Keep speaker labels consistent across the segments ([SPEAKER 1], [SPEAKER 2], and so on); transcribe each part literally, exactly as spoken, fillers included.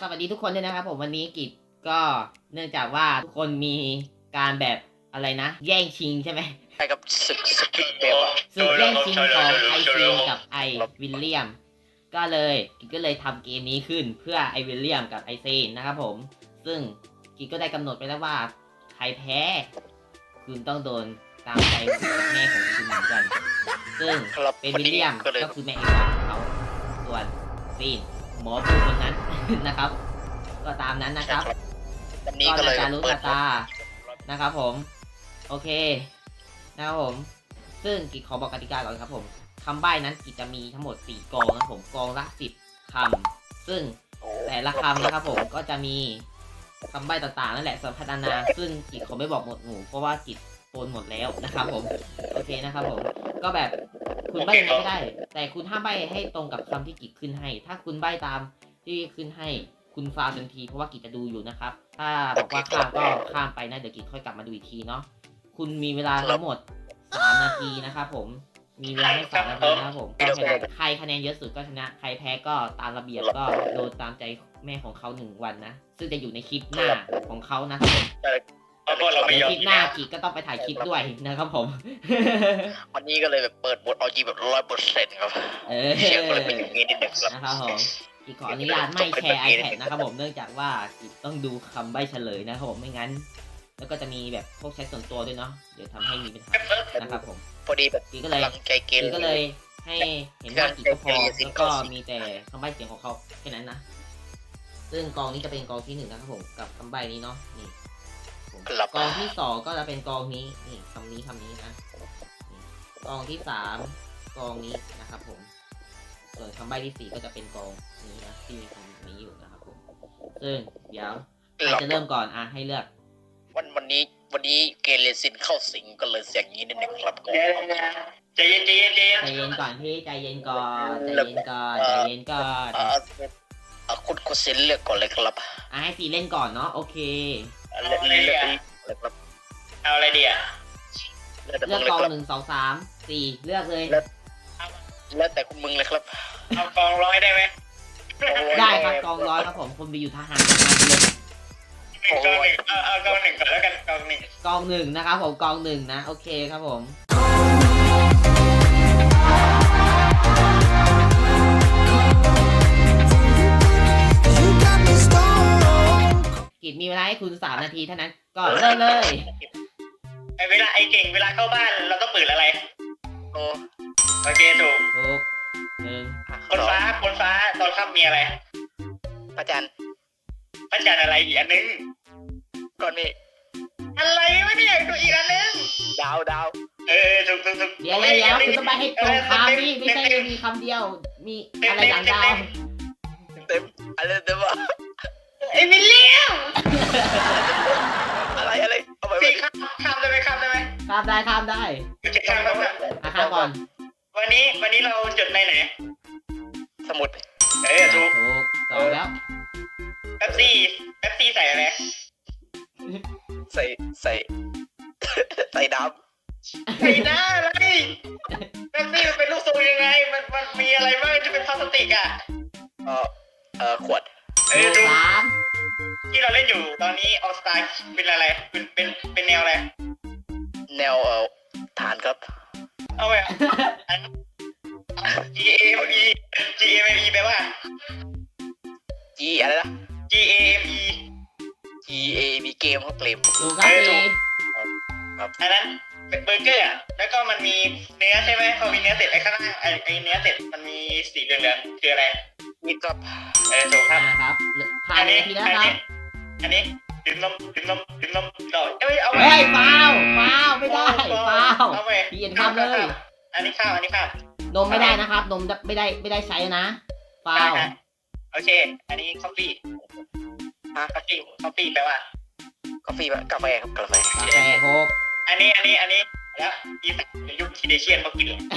[SPEAKER 1] วัสดีทุกคนด้วยนะครับผมวันนี้กิจก็เนื่องจากว่าทุกคนมีการแบบอะไรนะ แย่งชิงใช่ไหม
[SPEAKER 2] ใช่กับศึกสกิทเกมอะ
[SPEAKER 1] ศึกแย่งชิงของไอซีนกับไอวิลเลียมก็เลยกิจก็เลยทำเกมนี้ขึ้นเพื่อไอวิลเลียมกับไอซีนนะครับผมซึ่งกิจก็ได้กำหนดไปแล้วว่าใครแพ้คุณต้องโดนตามใจแม่ของคุณเหมือนกันซึ่งเป็นวิลเลียมก็คือแม่เอกของเขาส่วนซีนหมอผู้คนนั้น นะครับก็ตามนั้นนะครับ
[SPEAKER 2] วันนี้
[SPEAKER 1] ก็
[SPEAKER 2] ก็เลย
[SPEAKER 1] นาจารุ
[SPEAKER 2] เปิด
[SPEAKER 1] ตาตานะครับผมโอเคนะครับผมซึ่งกิจขอบอกกติกาก่อนครับผมคำใบ้นั้นกิจจะมีทั้งหมดสี่กองนะครับผมกองละสิบคำซึ่งแต่ละคำนะครับผมก็จะมีคำใบ้ต่างๆนั่นแหละสำหรับพัฒนาซึ่งกิจขอไม่บอกหมดหมู่เพราะว่ากิจโปนหมดแล้วนะครับผมโอเคนะครับผมก็แบบคุณใบ้ยังไงก็ได้แต่คุณห้ามใบ้ให้ตรงกับคำที่กิจขึ้นให้ถ้าคุณใบ้ตามที่ขึ้นให้คุณฟาวทันทีเพราะว่ากิจจะดูอยู่นะครับถ้าบอกว่าข้ามก็ข้ามไปนะเดี๋ยวกิจค่อยกลับมาดูอีกทีเนาะคุณมีเวลาทั้งหมดสามนาทีนะครับผมมีเวลาให้สามนาทีนะครับผมก็ใครคะแนนเยอะสุดก็ชนะใครแพ้ก็ตามระเบียบก็โดนตามใจแม่ของเขาหนึ่งวันนะซึ่งจะอยู่ในคลิปหน้าของเขานะครับผม
[SPEAKER 3] เพราะเราไม่ยอม
[SPEAKER 1] คลิปหน้ากีก็ต้องไปถ่ายคลิปด้วยนะครับผม
[SPEAKER 2] วันนี้ก็เลยแบบเปิดบทเอาจีแบบร้อยเปอร์เซ็นต์ครับ
[SPEAKER 1] เออ
[SPEAKER 2] เสียงก็เลยเป็นอย่างนี้นิดหนึ่งครับ
[SPEAKER 1] นะครับผมกีขออนุญาตไม่แชร์ iPad นะครับผมเนื่องจากว่ากีต้องดูคำใบ้เฉลยนะครับผมไม่งั้น แล้วก็จะมีแบบพวกแชทส่วนตัวด้วยเนาะเดี๋ยวทำให้มีปัญหานะครับผม
[SPEAKER 2] พอดีแบบ
[SPEAKER 1] กีก็เลย
[SPEAKER 2] กำลังใจเกม
[SPEAKER 1] กีก็เลยให้เห็นว่ากีก็พอแล้วก็มีแต่คำใบ้เสียงของเขาแค่นั้นนะซึ่งกองนี้จะเป็นกองที่หนึ่งนะครับผมกับคำใบ้นี้เนาะนี่กองที่สองก็จะเป็นกองนี้นี่คำนี้คำนี้นะกองที่สามกองนี้นะครับผมส่วนคำใบ้ที่สี่ก็จะเป็นกองนี้นะที่มีคำนี้อยู่นะครับผมซึ่งเดี๋ยวใครจะเริ่มก่อนอ่ะให้เลือก
[SPEAKER 2] วันวันนี้วันนี้เกเรซินเข้าสิงก็เลยเสียงนี้นิดหนึ่งครับก็
[SPEAKER 3] ใจเย็นใจเย็นใจเย็น
[SPEAKER 1] ใจเย็นก่อนพี่ใจเย็นก่อนใจเย็นก่อนใจเย็นก่อน
[SPEAKER 2] เอ่อเอ่อคุณคุณซินเลือกก่อนเลยครับ
[SPEAKER 1] อ่ะให้ซีเล่นก่อนเนาะโอเค
[SPEAKER 2] เลือกเลือกเลยครับ
[SPEAKER 3] เอาอะไรดีอ่ะ
[SPEAKER 2] เลือกแต่
[SPEAKER 1] เลื
[SPEAKER 2] มึ
[SPEAKER 1] อก
[SPEAKER 2] งเลย
[SPEAKER 1] กอง
[SPEAKER 2] ครับ
[SPEAKER 1] หนึ่งสองสามสี่เลือกเลย
[SPEAKER 2] เลือกแต่คุณมึงเลยครับ
[SPEAKER 3] เอากองร้อยได้ไหม
[SPEAKER 1] ได้ครับกองร้อยครับผมคนไปอยู่ทหารกันมาเลย
[SPEAKER 3] หนึ่งกองหนึ่งเอาเอากองหนึ่งก่อนแล้วกันกองหนึ่ง
[SPEAKER 1] กองหนึ่งนะครับผมกองหนึ่งนะโอเคครับผมกิจมีเวลาให้คุณสามนาทีเท่านั้นก็เริ่มเลย
[SPEAKER 3] ไอเวลาไอเก่งเวลาเข้าบ้านเราต้องเปิดอะไร
[SPEAKER 2] โอ้
[SPEAKER 3] โอเคถูก
[SPEAKER 1] ถูกหนึ่ง
[SPEAKER 3] คนฟ้าคนฟ้าตอนค่ำมีอะไร
[SPEAKER 2] พระจันทร์
[SPEAKER 3] พระจันทร์อะไรอีกอันนึง
[SPEAKER 2] ก่อนนี่
[SPEAKER 3] อะไรวะเนี่ยตัวอีกอันนึง
[SPEAKER 2] ดาวดาว
[SPEAKER 3] เออถูกถูกถูก
[SPEAKER 1] เดี๋ยวเดี๋ยวคุณต้องไปให้ตรงคำนี่ไม่ใช่มีคำเดียวมีอะไรหลังดาว
[SPEAKER 2] เต็มอะไรเต็มวะ
[SPEAKER 3] ไอวิลเลียม
[SPEAKER 2] อะไรอะไรเอาไปไป
[SPEAKER 3] สี่ข้ามข้ามได้ไหมข้ามได้ไหม
[SPEAKER 1] ข้ามได้ข้ามได้
[SPEAKER 3] โอเคข้ามข้ามข้าม
[SPEAKER 1] อ่ะข้ามก่อน
[SPEAKER 3] วันนี้วันนี้เราจดในไหน
[SPEAKER 2] สมุด
[SPEAKER 3] เออถูก
[SPEAKER 1] ถูกสองแล้ว
[SPEAKER 3] แป๊บซี่แป๊บซี่ใส่อะไร
[SPEAKER 2] ใส่ใส่ ใส่ด
[SPEAKER 3] ใส่หน้าอะไรแป๊บซี่มันเป็นลูกทรงยังไง มันมันมีอะไรบ้างที่เป็นพลาสติกอ่ะ
[SPEAKER 2] ำเออเออขวด
[SPEAKER 3] เอ
[SPEAKER 1] ถู
[SPEAKER 3] อก ถูก
[SPEAKER 1] สาม
[SPEAKER 3] ที่เราเล่นอยู่ตอนนี้ออสตาเป็นอะไร เป็นเป็นเป็นแนวอะไร
[SPEAKER 2] แนวเอ่อฐานครับ
[SPEAKER 3] เอาไปอ่ะ G A M E G A M E แปลว่า
[SPEAKER 2] G อะไรนะ
[SPEAKER 3] G A M E
[SPEAKER 2] G A มีเกมครับเกม
[SPEAKER 1] ถูกครับสี่
[SPEAKER 3] อันนั้นเป็นเบอร์เกอร์อ่ะ แล้วก็มันมีเนื้อใช่ไหมพอมีเนื้อเสร็จไอ้ข้างล่างไอ้ไอ้เนื้อเสร็จมันมีสีเหลืองๆคืออะไร
[SPEAKER 2] มีครับ
[SPEAKER 3] เออถูกครับ
[SPEAKER 1] นะครับผ่าน
[SPEAKER 3] อัน
[SPEAKER 1] นา
[SPEAKER 3] นี้
[SPEAKER 1] ทีแล้ว
[SPEAKER 3] อัน
[SPEAKER 1] ครั
[SPEAKER 3] นี้
[SPEAKER 1] บ
[SPEAKER 3] อันนี้ดื่มนมดื่มนมดื่มนมต่อเอ้ยเอา
[SPEAKER 1] เฮ้ยฟาวฟาวไม่ได้ฟาว
[SPEAKER 3] เอาไป
[SPEAKER 1] เปลี่ยนคำเลย
[SPEAKER 3] อันนี้ข้าวอันนี้ข้าวน
[SPEAKER 1] มไม่ได้นะครับ นมไม่ได้ไม่ได้ใช้นะฟาว
[SPEAKER 3] โอเค อันนี้คอฟฟี่ฮะคอฟฟี่คอฟฟี่แปลว่า
[SPEAKER 2] กาแฟกาแฟครับกาแฟ
[SPEAKER 1] กาแฟหก
[SPEAKER 3] อันนี้อันนี้อันนี้แล้วอีสานยุคทีเดเชียนเขากินเหรอ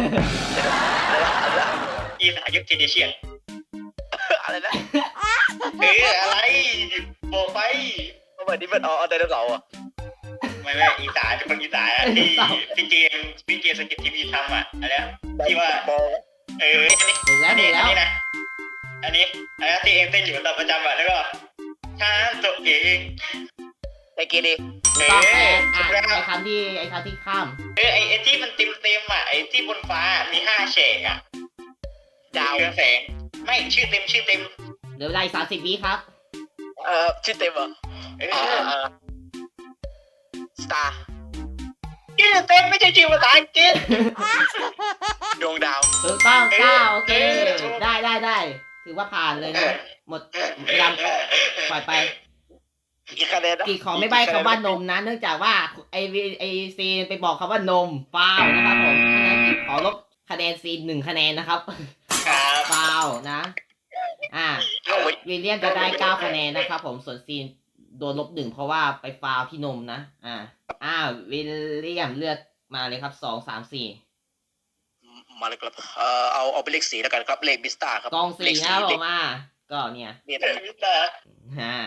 [SPEAKER 3] อีสานยุคทีเดเชียน
[SPEAKER 2] อะไรนะ
[SPEAKER 3] เอออะไรบอกไป
[SPEAKER 2] เมื่อนี้มันอ๋อไดโนเสาร์อ่ะ
[SPEAKER 3] ไม่ไม่อีสานเป็นคนอีสานอะที่พี่เจมพี่เจมสกิททีวีทำอ่ะอะไรนะที่ว่า
[SPEAKER 2] บอล
[SPEAKER 3] เอออันนี้
[SPEAKER 1] ถูกแล้ว
[SPEAKER 3] อัน
[SPEAKER 1] ถู
[SPEAKER 3] นี้
[SPEAKER 1] ก
[SPEAKER 3] อั
[SPEAKER 1] แล้ว
[SPEAKER 3] นนี้นะอันนี้อันนี้ที่เองเต้นอยู่ตอนประจำอะแล้วก็ช้าตัวเอง
[SPEAKER 2] ไอเกเร
[SPEAKER 3] เอ
[SPEAKER 1] ต้องแปล
[SPEAKER 3] อ
[SPEAKER 1] อ่ะ
[SPEAKER 3] แล้ว
[SPEAKER 1] ไอ้คำที่ไอ้คำที่ข้าม
[SPEAKER 3] เออไอไอที่มันเต็มเต็มๆอ่ะไอที่บนฟ้ามีห้าแฉกอ่ะ
[SPEAKER 2] ดาว
[SPEAKER 3] เรืองแสงไม่ชื่อเต็มชื่อเต็ม
[SPEAKER 1] เหลือเวลาอีกสามสิบวิครับ
[SPEAKER 2] เอ่อชื่อเต็มเหรอ
[SPEAKER 3] เอ
[SPEAKER 2] เอ่
[SPEAKER 3] อ
[SPEAKER 2] อสตาร์
[SPEAKER 3] ชื่อเต็มไม่ใช่ชื่อภาษาอังกฤษ
[SPEAKER 2] ดวงดาว
[SPEAKER 1] ถูกต้อง
[SPEAKER 3] เออ
[SPEAKER 1] เก้าโอเค
[SPEAKER 3] เออถูก
[SPEAKER 1] ได้ได้ได้ถือว่าผ่านเลยนะ หมดเวลาปล่อยไป
[SPEAKER 2] อีกคะแนนนะ
[SPEAKER 1] กีขอไม่ใบ้คำว่านมนะ เนื่องจากว่าไอวีไอซีไปบอกคำว่านมฟาวนะครับผมเพราะฉะนั้นกีขอลบคะแนนซีหนึ่งคะแนนนะครับ
[SPEAKER 3] ครับ
[SPEAKER 1] ฟาวนะ อ่า
[SPEAKER 2] เอาไว้
[SPEAKER 1] วิลเลียมจะได้เก้าคะแนนนะครับผมส่วนซีนโดนลบหนึ่งเพราะว่าไปฟาวที่นมนะ อ่า อ่าวิลเลียมเลือกมาเลยครับสองสามสี่
[SPEAKER 2] มาเลยครับเอ่อเอาเอาเป็นเลขสีแล้วกันครับเลขบิสตาครับ
[SPEAKER 1] กอง
[SPEAKER 2] เล
[SPEAKER 1] สี่
[SPEAKER 2] ข
[SPEAKER 1] นะผ
[SPEAKER 2] เล
[SPEAKER 1] ม
[SPEAKER 2] ข
[SPEAKER 1] อ่าก็เนี่ย
[SPEAKER 2] เรียน
[SPEAKER 3] เอ
[SPEAKER 2] อะไร
[SPEAKER 3] อแต่
[SPEAKER 1] อ่า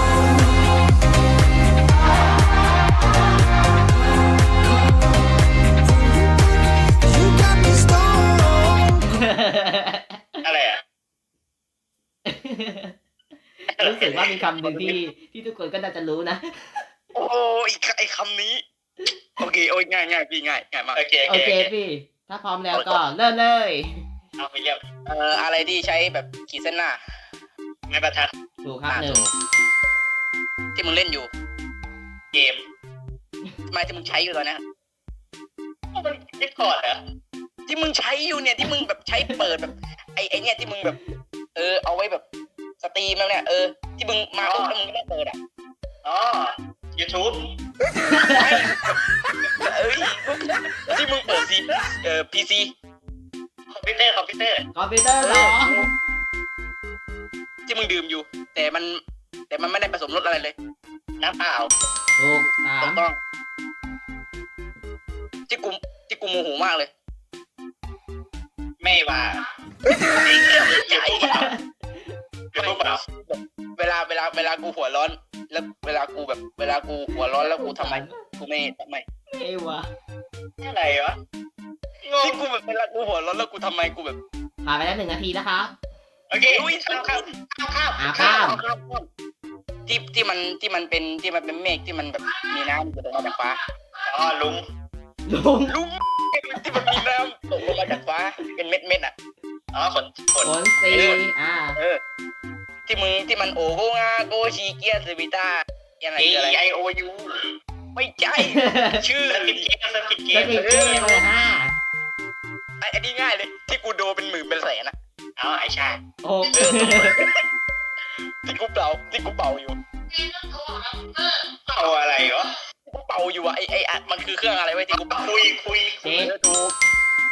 [SPEAKER 3] อะไรอ่ะ
[SPEAKER 1] รู้สึกว่ามีคำหนึ่งที่ที่ทุกคนก็น่าจะรู้นะ
[SPEAKER 2] โอ้ยไอ้คำนี้ โอเคโอ้ยง่ายง่ายพี่ง่ายง่ายมาก
[SPEAKER 3] โอเค
[SPEAKER 1] โอ
[SPEAKER 3] โอ
[SPEAKER 1] เค
[SPEAKER 3] เค
[SPEAKER 1] พี่ ถ้าพร้อมแล้วก็เริ่มเลย
[SPEAKER 3] เอาไปเยี่ยม
[SPEAKER 2] เอ่ออะไรที่ใช้แบบขีดเส้นหน้า
[SPEAKER 3] ไม้บรรทัด
[SPEAKER 1] ถูกครับหนึ่ง
[SPEAKER 2] ที่มึงเล่นอยู่
[SPEAKER 3] เกม
[SPEAKER 2] ไม่ที่มึงใช้อยู่ตอนเนี้ย
[SPEAKER 3] มันดิสคอร์ดเหรอ
[SPEAKER 2] ที่มึงใช้อยู่เนี่ยที่มึงแบบใช้เปิดแบบไอ้ไอ้เนี่ยที่มึงแบบ เออเอาไว้แบบสตรีมแล้วเนี่ยเออที่มึงมาปุ๊บแล้วมึงไม่ได้เปิดอ่ะ
[SPEAKER 3] อ๋อ YouTube
[SPEAKER 2] เอ้ยที่มึงเปิดซีเอ่อพีซี
[SPEAKER 3] คอมพิวเตอร์คอมพิวเตอร์
[SPEAKER 1] คอมพิวเตอร์สอง
[SPEAKER 2] ที่มึงดื่มอยู่ แต่มันแต่มันไม่ได้ผสมรสอะไรเลย
[SPEAKER 3] น้ำเปล่า
[SPEAKER 1] ถูกสา
[SPEAKER 2] ถู
[SPEAKER 1] ม
[SPEAKER 2] กต้องที่กูที่กูโมโหมากเลย
[SPEAKER 3] ไม่ว่า
[SPEAKER 2] ใหญ่
[SPEAKER 3] YouTube เปล่า
[SPEAKER 2] เวลาเวลาเวลากูหัวร้อน แล้วเวลากูแบบ เวลากูหัวร้อนแล้วกูทำไมกูไม่ทำไม
[SPEAKER 1] เอวะ
[SPEAKER 3] อะไรวะงง
[SPEAKER 2] ที่กูแบบเวลากูหัวร้อนแล้วกูทำไมกูแบบ
[SPEAKER 1] ผ่านไปแล้วหนึ่งนาทีนะครับ
[SPEAKER 3] โอเคข้ามข้ามข้าม
[SPEAKER 1] อ่า
[SPEAKER 3] ข้า
[SPEAKER 1] ข้าม ม
[SPEAKER 2] ข้ามข้ามที่ที่มันที่มันเป็นที่มันเป็นเมฆที่มันแบบมีน้ำตกลงมาจากฟ้า
[SPEAKER 3] อ๋อลุง
[SPEAKER 1] ลุง
[SPEAKER 2] ลุงที่มันมีน้ำตกลงมาจากฟ้า เป็นเม็ดเม็ดๆอ่ะ
[SPEAKER 3] อ๋อขนขน
[SPEAKER 1] ผลสี่อ่า
[SPEAKER 2] เออ ที่มึงที่มันโอโกงาโกชีเกียสวิต้าอะไร
[SPEAKER 3] A
[SPEAKER 2] คืออะไร
[SPEAKER 3] I O U
[SPEAKER 2] ไม่ใช่ ชื่อ
[SPEAKER 3] สกิดเกมสกิดเก
[SPEAKER 1] เจ็
[SPEAKER 3] ม
[SPEAKER 1] ดสิบเกมเลยห้า
[SPEAKER 2] ไอ้อันนี้ง่ายเลย ที่กูโดเป็นหมื่นเป็นแสนอะ
[SPEAKER 3] อ๋อไอชา
[SPEAKER 1] หก
[SPEAKER 2] ที่กูเป่าที่กูเป่าอยู่
[SPEAKER 3] เอาอะไรวะ
[SPEAKER 2] ที่กูเป่าอยู่อะไอไออะมันคือเครื่องอะไรไว้ยที่กูเป่า
[SPEAKER 3] คุยคุย
[SPEAKER 1] เจ็ด
[SPEAKER 2] เออถูก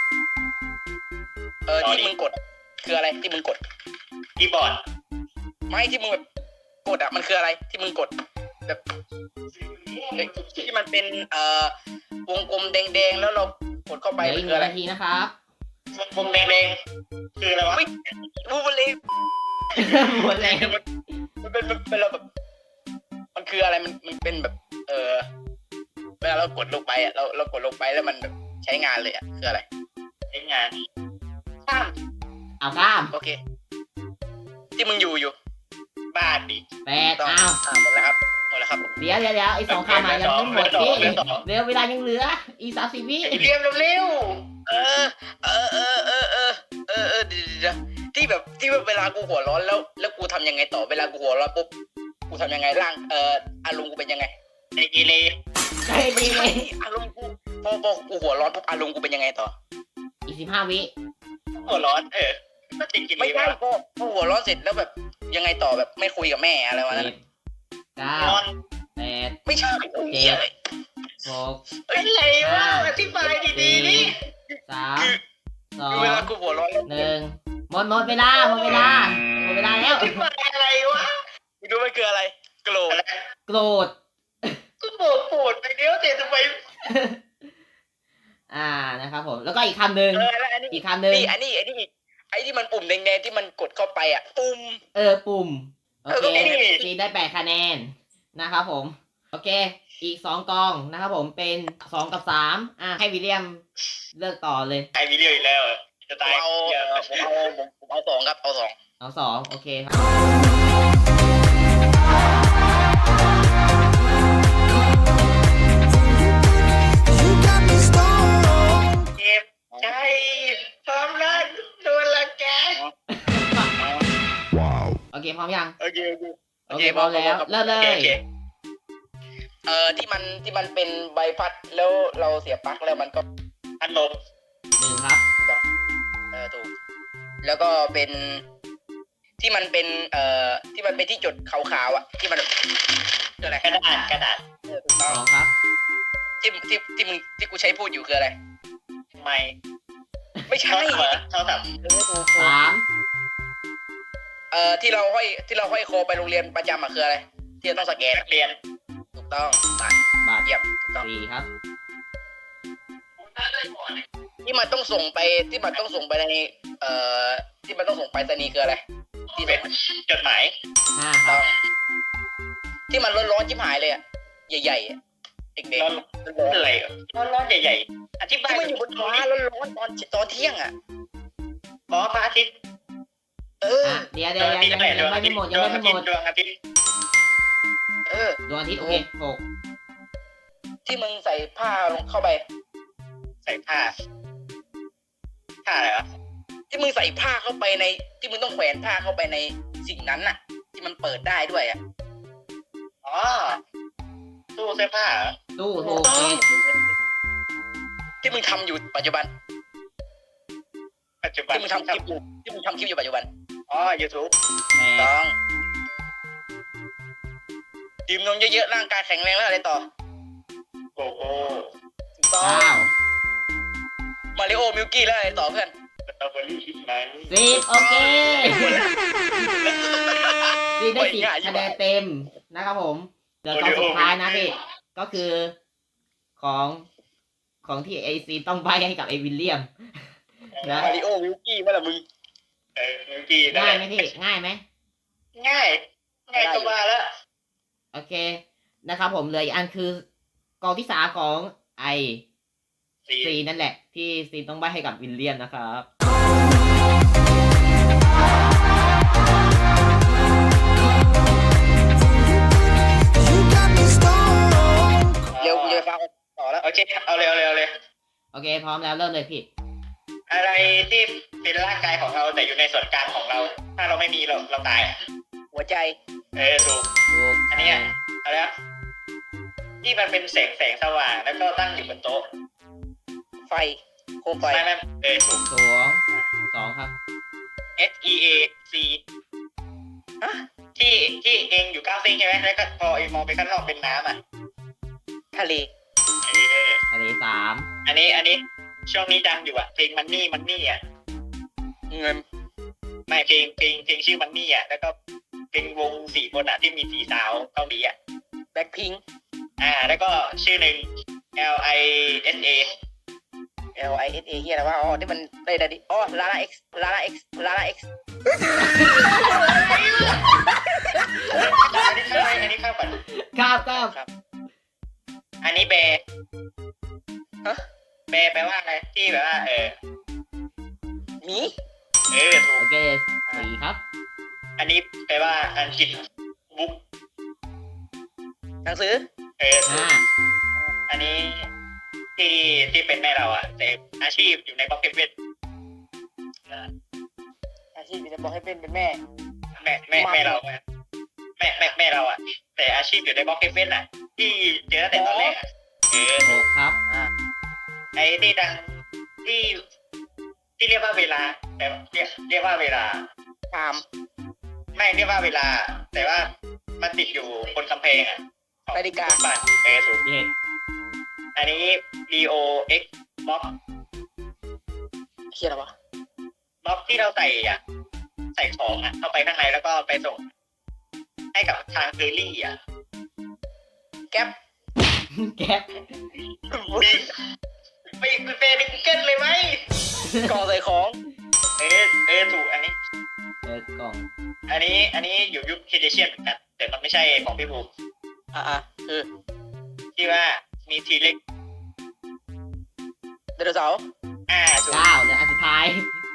[SPEAKER 2] เออที่มึงกด คืออะไรที่มึงกด
[SPEAKER 3] คีย์บอร์ด
[SPEAKER 2] ไม่ที่มึงแบบกดอะมันคืออะไรที่มึงกดแบบเอ้ยที่มันเป็นเอ่อวงกลมแดงๆแล้วเรากดเข้าไป
[SPEAKER 1] เหลือ
[SPEAKER 2] มั
[SPEAKER 1] อี
[SPEAKER 2] น
[SPEAKER 1] กห
[SPEAKER 2] คือ
[SPEAKER 1] นึ่ง
[SPEAKER 2] อะไร
[SPEAKER 1] นาทีนะครับ
[SPEAKER 3] วงแดงๆคืออะไรวะ
[SPEAKER 2] ไม่วูบเลย
[SPEAKER 1] หมดแล้ว
[SPEAKER 2] มันเป็นมันเป็นเราแบบ มันคืออะไรมันมันเป็นแบบ เออเวลาเรากดลงไปอะเราเรากดลงไปแล้วมันแบบใช้งานเลยอะคืออะไร
[SPEAKER 3] ใช้งานข้าม
[SPEAKER 1] เอาข้าม
[SPEAKER 2] โอเค ที่มึงอยู่อยู่
[SPEAKER 3] บ้านดิ
[SPEAKER 1] แปด
[SPEAKER 2] ต้อง
[SPEAKER 1] อ้าว
[SPEAKER 2] อ่าหมดแล้วครับหมดแล้วครับ
[SPEAKER 1] เดี๋ยวเดี๋ยวเดี๋ยวไอ้สองคำอ่ะยังไม่หมดพี่เดี๋ยวเวลายังเหลือ อีกสามสิบวิ
[SPEAKER 3] เรียมเร็ว
[SPEAKER 2] เออ เออเออเออเออเออเออเดี๋ยวเดี๋ยวที่แบบที่แบบเวลากูหัวร้อนแล้ว แล้วกูทำยังไงต่อเวลากูหัวร้อนปุ๊บกูทำยังไงร่างเอ่ออารมณ์กูเป็นยังไง
[SPEAKER 3] ๆไอกีเล
[SPEAKER 1] ใช่ดีเลย
[SPEAKER 2] อารมณ์กูพอพอกูหัวร้อนปุ๊บอารมณ์กูเป็นยังไงต่อ
[SPEAKER 1] อีกสิบห้าวิ
[SPEAKER 3] หัวร้อนเออก็ติดกีเล
[SPEAKER 2] ไม่ใช่พอพอหัวร้อนเสร็จแล้วแบบยังไงต่อแบบไม่คุยกับแม่อะไรวะนั่น
[SPEAKER 1] สิบ
[SPEAKER 2] น่ะ
[SPEAKER 1] เก้าน
[SPEAKER 3] อน
[SPEAKER 1] แปด
[SPEAKER 2] ไม่ใช่โอ้ยเหี้ยเลย
[SPEAKER 1] หก
[SPEAKER 3] อะไรวะอธิบายดีๆนี่
[SPEAKER 1] สามสอ
[SPEAKER 2] คือง เวลากูหัวร้อนแล้ว
[SPEAKER 1] หนึ่งหมดหมดเวลาหมดเวลาหมดเวลาแล้ว
[SPEAKER 3] อธิบายอะไรวะ
[SPEAKER 2] มึงรู้ไหมคืออะไรโกรธ
[SPEAKER 3] อะไร
[SPEAKER 1] โกรธ
[SPEAKER 3] ก็บอกโปรดไปเดียวแต่ทำไม
[SPEAKER 1] อ่านะครับผมแล้วก็อีกคำหนึ่ง
[SPEAKER 2] เออแล้วอันนี้
[SPEAKER 1] อีกคำหนึ่ง
[SPEAKER 2] นี่อันนี้อันนี้อีกไอ้ที่มันปุ่มแดงๆที่มันกดเข้าไปอ่ะปุ่ม
[SPEAKER 1] เออปุ่มโอ
[SPEAKER 2] เออ
[SPEAKER 1] เค
[SPEAKER 2] ก็ไม่ได้
[SPEAKER 1] ซีได้แปดคะแนนนะครับผมโอเค อีกสองกองนะครับผมเป็นสองกับสามอ่าให้วิลเลียมเลือกต่อเลย
[SPEAKER 3] ไอวิดีโออีกแล้วจะ
[SPEAKER 2] ผ
[SPEAKER 3] ตาม ย
[SPEAKER 2] เอา
[SPEAKER 3] เดี๋ยว
[SPEAKER 2] ผมเอาผมผมเอาสองครับเอาสอง
[SPEAKER 1] เอาสองโอเคครับ
[SPEAKER 3] เจ็บใจความรักโดนละแก
[SPEAKER 1] โอเคพร้อมยัง
[SPEAKER 2] โอเคโอเค
[SPEAKER 1] โอเคพร้อมแล้วเริ่มเล
[SPEAKER 3] โอเค
[SPEAKER 1] ย
[SPEAKER 3] โอเค
[SPEAKER 2] เอ่อที่มันที่มันเป็นใบพัดแล้วเราเสียบปลั๊กแล้วมันก็
[SPEAKER 3] พัดลม
[SPEAKER 1] หนึ่งครับ
[SPEAKER 2] เออถูกแล้วก็เป็นที่มันเป็นเอ่อที่มันเป็นที่จุดขาวๆอ่ะที่มันแบบคืออะไร
[SPEAKER 3] กระดาษกระดาษ
[SPEAKER 2] เออถูก
[SPEAKER 1] ส
[SPEAKER 2] ต้อง
[SPEAKER 1] องครับ
[SPEAKER 2] ที่ที่ที่มึงที่กูใช้พูดอยู่คืออะไร
[SPEAKER 3] ไม่
[SPEAKER 2] ไม่ใช่
[SPEAKER 3] เท่าไหร่เท่ากับ
[SPEAKER 2] เออถูก
[SPEAKER 1] สาม
[SPEAKER 2] เอ่อที่เราห้อยที่เราห้อยคอไปโรงเรียนประจำอ่ะคืออะไร ที่เราต้องสแกน
[SPEAKER 3] นักเรียน
[SPEAKER 2] ถูกต้องตัด
[SPEAKER 1] บาท
[SPEAKER 2] เยี่ยมถูกต้อง
[SPEAKER 1] สี่ครับ
[SPEAKER 2] ที่มันต้องส่งไปที่มันต้องส่งไปในเอ่อที่มันต้องส่งไปรษณีย์คืออะไร ที่
[SPEAKER 3] เป็นจดหมาย
[SPEAKER 1] ห้าค
[SPEAKER 2] ต้
[SPEAKER 1] รั
[SPEAKER 2] อบ งที่มันร้อนๆชิบหายเลยอ่ะใหญ่ๆอะเด็ก
[SPEAKER 3] ร้อน
[SPEAKER 2] ๆร้อน
[SPEAKER 3] อะไรร้อนร้อนใหญ่ๆอธิ
[SPEAKER 2] ๆ
[SPEAKER 3] บาย
[SPEAKER 2] ที่มันอยู่บนฟ้าร้อนๆตอนตอนเที่ยงอ่ะ
[SPEAKER 3] อ๋อพระอาทิตย์
[SPEAKER 2] เออ
[SPEAKER 1] อ่ะเดี๋ยว
[SPEAKER 3] ด
[SPEAKER 1] เดี๋ยว
[SPEAKER 3] วงอาทิต
[SPEAKER 1] ยั
[SPEAKER 3] ย์
[SPEAKER 1] ง
[SPEAKER 3] แหละ
[SPEAKER 1] ยัง
[SPEAKER 3] ดวง
[SPEAKER 1] ไม่
[SPEAKER 3] อาทิตย์
[SPEAKER 1] หมด
[SPEAKER 3] ด
[SPEAKER 1] ยัง
[SPEAKER 3] วง
[SPEAKER 1] ไม่
[SPEAKER 3] อา
[SPEAKER 1] ห
[SPEAKER 3] ทิ
[SPEAKER 1] ม
[SPEAKER 3] ต
[SPEAKER 1] ด
[SPEAKER 3] ย์ดวงอาทิตย์
[SPEAKER 2] เออ
[SPEAKER 1] ดวงอาทิตย์โอเคหก
[SPEAKER 2] ที่มึงใส่ผ้าลงเข้าไป
[SPEAKER 3] ใส่ผ้าผ้าอะไรวะ
[SPEAKER 2] ที่มึงใส่ผ้าเข้าไปใน ที่มึงต้องแขวนผ้าเข้าไปในสิ่งนั้นน่ะ ที่มันเปิดได้ด้วยอ่ะ
[SPEAKER 3] อ๋อตู้เสื้อผ้าเหรอ
[SPEAKER 1] ตู้ถูก
[SPEAKER 2] ต้อ
[SPEAKER 1] เจ็
[SPEAKER 2] ง
[SPEAKER 1] ด
[SPEAKER 2] ที่มึงทำอยู่ปัจจุบัน
[SPEAKER 3] ปัจจุบัน
[SPEAKER 2] ที่มึงทำคลิปอยู่ที่มึงทำคลิปอยู่ปัจจุบัน
[SPEAKER 3] อ๋อ YouTube
[SPEAKER 1] แปด
[SPEAKER 2] ต้องดื่มนมเยอะๆร่างกายแข็งแรงแล้วอะไรต่อ
[SPEAKER 3] โอ้โห
[SPEAKER 2] ถูกต้อง
[SPEAKER 1] เก้า
[SPEAKER 2] มาริโอมิลกี้แล้วอะไรต่อเพื่อน
[SPEAKER 3] สตรอเบอรี่คิดไหม
[SPEAKER 1] สิบโอเคสิบได้สิบคะแนนเต็มนะครับผมเดี๋ยวตอนสุดท้ายนะพี่ก็คือของของที่ไอซีต้องใบให้กับไอวิลเลียมนะ
[SPEAKER 2] มาริโอมิลกี้เมื่อไหร่มึง
[SPEAKER 3] เออมิวกี้นั่น
[SPEAKER 1] ง่าย
[SPEAKER 3] แห
[SPEAKER 1] ไหม
[SPEAKER 3] ละ
[SPEAKER 1] พี่ง่ายไหม
[SPEAKER 3] ง่าย ง่ายก็มาแล้ว
[SPEAKER 1] โอเคนะครับผมเหลยอีกอันคือกองที่สามของไอ
[SPEAKER 3] สี
[SPEAKER 1] ซีนั่นแหละ ที่ซีต้องใบให้กับวิลเลียมนะครับ
[SPEAKER 2] เร็วกูจะฟังต่อแล้ว
[SPEAKER 3] โอเค เอาเร็วเร็วเลย
[SPEAKER 1] โอเค พร้อมแล้วเริ่มเลยพี่
[SPEAKER 3] อะไรที่เป็นร่างกายของเราแต่อยู่ในส่วนกลางของเรา ถ้าเราไม่มีเราเราตายอ่ะ
[SPEAKER 2] หัวใจ
[SPEAKER 3] เออถูก
[SPEAKER 1] ถูก
[SPEAKER 3] อันเนี้ย เอาแล้วที่มันเป็นแสงแสงสว่างแล้วก็ตั้งอยู่บนโต๊ะ
[SPEAKER 2] ไฟโคมไฟ
[SPEAKER 3] ไม่ไม่เออถูก
[SPEAKER 1] สองสองครับ
[SPEAKER 3] S E A C ที่ที่เองอยู่ก้าวซิงใช่ไหมแล้วก็พอเองมองไปข้างนอกเป็นน้ำอ่ะ
[SPEAKER 2] ทะเล
[SPEAKER 3] เออ
[SPEAKER 1] ทะเลสาม
[SPEAKER 3] อันนี้อันนี้ช่วงนี้ดังอยู่อ่ะเพลงมันนี่มันนี่อ่ะ
[SPEAKER 2] เงิน
[SPEAKER 3] ไม่เพลงเพลงเพลงชื่อมันนี่อ่ะแล้วก็เป็นวงสี่คนอ่ะที่มีสี่สาวเกาหลีอ่ะ
[SPEAKER 2] แบ็คพิง
[SPEAKER 3] อ่า แล้วก็ชื่อหนึ่ง L I S A
[SPEAKER 2] L I S A เฮียอะไรวะอ๋อที่มันได้ได้ดิอ๋อลาลา X ลาลา X ลาลา X
[SPEAKER 3] อันนี้ข้าวอันนี้ข้าวก่อน
[SPEAKER 1] เก้าเก้า
[SPEAKER 3] อันนี้แบร์
[SPEAKER 2] ฮะ
[SPEAKER 3] แบร์แปลว่าอะไรที่แบบว่าเออ
[SPEAKER 2] หมี
[SPEAKER 3] เออถู
[SPEAKER 1] โอก เคสี่ครับ
[SPEAKER 3] อันนี้แปลว่าอังกฤษบุ๊ก
[SPEAKER 2] หนังสือ
[SPEAKER 3] เออถู
[SPEAKER 1] ห้าก
[SPEAKER 3] อันนี้ที่ที่เป็นแม่เราอ่ะแต่อาชีพอยู่ในบ็อกเก็ตเวท
[SPEAKER 2] อาชีพจะบอกให้เป็นเป็นแม่
[SPEAKER 3] แม่แม่แม่เราอะแม่แม่แม่เราอ่ะแต่อาชีพอยู่ในบ็อกเก็ตเวทอ่ะ ที่เจอตั้งแต่ตอนแรกอะเออ
[SPEAKER 1] ห
[SPEAKER 3] ถูก
[SPEAKER 1] กครับ
[SPEAKER 3] ไอ้ที่ดังที่ที่เรียกว่าเวลา แต่เรียกเรียกว่าเวลา
[SPEAKER 2] ตาม
[SPEAKER 3] ไม่เรียกว่าเวลา แต่ว่ามันติดอยู่บนกำแพงอ่ะของ
[SPEAKER 2] นาฬิกา
[SPEAKER 3] บ้านเออถูก
[SPEAKER 1] เจ็ด
[SPEAKER 3] อันนี้ B O X บล็อก
[SPEAKER 2] เฮียอะไรวะ
[SPEAKER 3] บล็อกที่เราใส่อ่ะ ใส่ของอ่ะ เข้าไปข้างในแล้วก็ไปส่ง ให้กับทางเคอรี่อ่ะ
[SPEAKER 2] แก๊ป
[SPEAKER 1] แก๊ป
[SPEAKER 3] มีไปไปเปย์ในกูเกิลเลยไหม
[SPEAKER 2] กล่องใส่ของ
[SPEAKER 3] เออเออถูกอันนี้
[SPEAKER 1] เออกล่อง
[SPEAKER 3] อันนี้ อันนี้อยู่ยุคเคเดเชียนเหมือนกัน แต่มันไม่ใช่ของพี่บูม
[SPEAKER 2] อ่าอ่าคือ
[SPEAKER 3] ที่ว่ามีทีเล็ก
[SPEAKER 2] ไดโนเสาร์
[SPEAKER 3] อ่าถูก
[SPEAKER 1] เก้าและอันสุดท้าย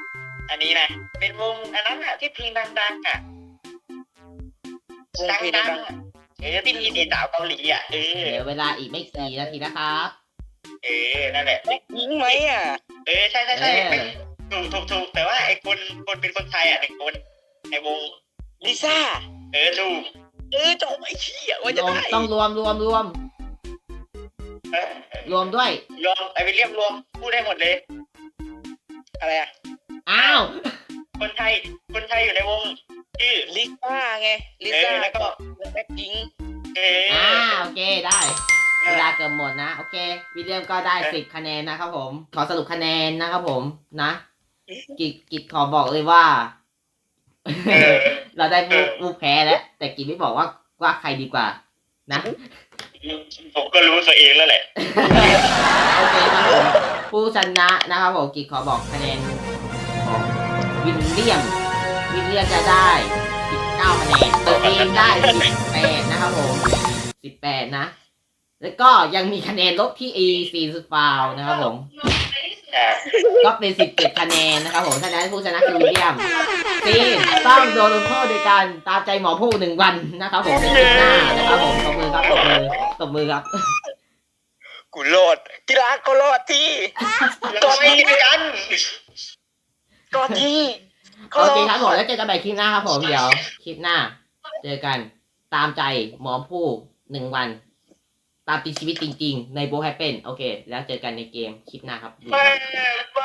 [SPEAKER 3] อันนี้นะเป็นวงอันนั้นอ่ะที่เพลงดังๆอ่ะ
[SPEAKER 2] วง
[SPEAKER 3] ดั
[SPEAKER 2] เพลง
[SPEAKER 3] ง
[SPEAKER 2] ดัง
[SPEAKER 3] ๆอะเออที่มีสีสาวเกาหลีอ่ะเออ
[SPEAKER 1] เหลือเวลาอีกไม่กี่นาทีนะครับ
[SPEAKER 3] เออนั่นแหละ
[SPEAKER 2] แบ็คพิงค์ไหมอ่ะ
[SPEAKER 3] เออใช่ใช่ใช่
[SPEAKER 1] เออ
[SPEAKER 3] เป็นถูกถูกถูกแต่ว่าไอ้คนคนเป็นคนไทยอ่ะหนึ่งคนในวง
[SPEAKER 2] ลิซ่า
[SPEAKER 3] เออถูก
[SPEAKER 2] เออจบไอ้เหี้ยว่าร จะ
[SPEAKER 1] วม
[SPEAKER 2] ได้
[SPEAKER 1] ต้องรวมรวมรวม
[SPEAKER 3] เออ
[SPEAKER 1] รวมด้วย
[SPEAKER 3] รวมไอ้วิลเลียมรวมพูดได้หมดเลย
[SPEAKER 2] อะไรอ่ะ
[SPEAKER 1] อ้าว
[SPEAKER 3] คนไทยคนไทยอยู่ในวงชื่อ
[SPEAKER 2] ลิซ่าไงลิซ่า
[SPEAKER 3] เออแล้วก็
[SPEAKER 2] แบ็คพิงค์
[SPEAKER 3] เออ
[SPEAKER 1] อ่าโอเคได้เวลาเกือบหมดนะโอเควิลเลียมก็ได้สิบคะแนนนะครับผมขอสรุปคะแนนนะครับผมนะกิจกิจขอบอกเลยว่า
[SPEAKER 3] เออ
[SPEAKER 1] เราได้ผู้ผู้แพ้แล้วแต่กิจไม่บอกว่าว่าใครดีกว่านะ
[SPEAKER 3] ผมก็รู้ตัวเองแล้วแหละ
[SPEAKER 1] โอเคครับผมผู้ชนะนะครับผมกิจขอบอกคะแนนของวิลเลียมวิลเลียมจะได้สิบเก้าคะแนนตัวเองได้สิบแปดนะครับผมสิบแปดนะ แล้วก็ยังมีคะแนนลบที่ E สี่สุดฟาวนะครับผม
[SPEAKER 3] อ่า
[SPEAKER 1] ก็เป็นสิบเจ็ดคะแนนนะครับผมฉะนั้นผู้ชนะคือวิลเลียมซีนต้องโดนลงโทษโดยการตามใจหมอผู้หนึ่งวันนะครับผมในคลิปหน้านะครับผมตบมือครับตบมือตบมือครับ
[SPEAKER 2] กูรอดกีฬาก็รอดที่
[SPEAKER 3] ก็ไม่กัน
[SPEAKER 2] ก็ที่ก็
[SPEAKER 1] โอ
[SPEAKER 2] รอ
[SPEAKER 1] เค
[SPEAKER 2] ด
[SPEAKER 1] ครับผมแล้วเจอกันใหม่คลิปหน้าครับผมเดี๋ยวคลิปหน้า เจอกันตามใจหมอผู้หนึ่งวัน ตามติดชีวิตจริงๆ ในโบแฮปเป็นโอเค แล้วเจอกันในเกมคลิปหน้าครับ
[SPEAKER 3] ไม่ไม่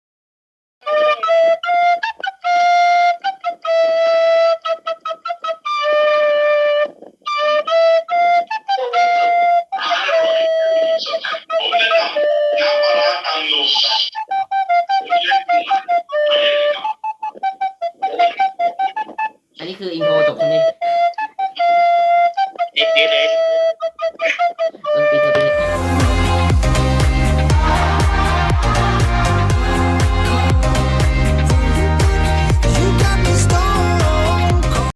[SPEAKER 4] ผมแนะนำน้ำปลาร้าตังโลผมเรียกคุณมา
[SPEAKER 1] อันนี้คืออินโทรจบใช่ไหม